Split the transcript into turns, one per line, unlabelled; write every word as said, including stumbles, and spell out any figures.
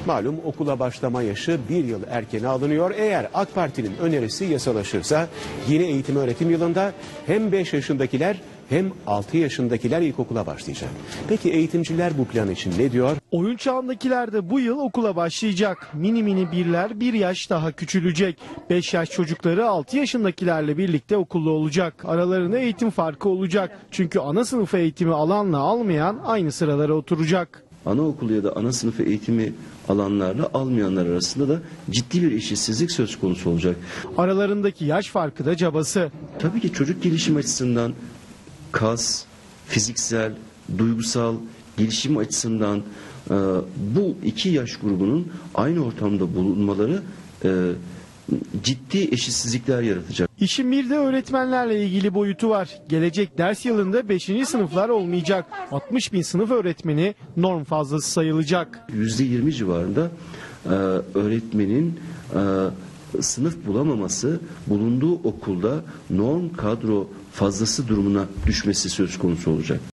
Malum okula başlama yaşı bir yıl erkene alınıyor. Eğer AK Parti'nin önerisi yasalaşırsa yeni eğitim öğretim yılında hem beş yaşındakiler hem altı yaşındakiler ilkokula başlayacak. Peki eğitimciler bu plan için ne diyor?
Oyun çağındakiler de bu yıl okula başlayacak. Mini mini birler bir yaş daha küçülecek. beş yaş çocukları altı yaşındakilerle birlikte okulda olacak. Aralarında eğitim farkı olacak. Çünkü ana sınıf eğitimi alanla almayan aynı sıralara oturacak.
Anaokulu ya da ana sınıfı eğitimi alanlarla almayanlar arasında da ciddi bir eşitsizlik söz konusu olacak.
Aralarındaki yaş farkı da cabası.
Tabii ki çocuk gelişim açısından kas, fiziksel, duygusal gelişim açısından e, bu iki yaş grubunun aynı ortamda bulunmaları e, ciddi eşitsizlikler yaratacak.
İşin bir de öğretmenlerle ilgili boyutu var. Gelecek ders yılında beşinci sınıflar olmayacak. altmış bin sınıf öğretmeni norm fazlası sayılacak.
yüzde yirmi civarında e, öğretmenin e, sınıf bulamaması, bulunduğu okulda norm kadro fazlası durumuna düşmesi söz konusu olacak.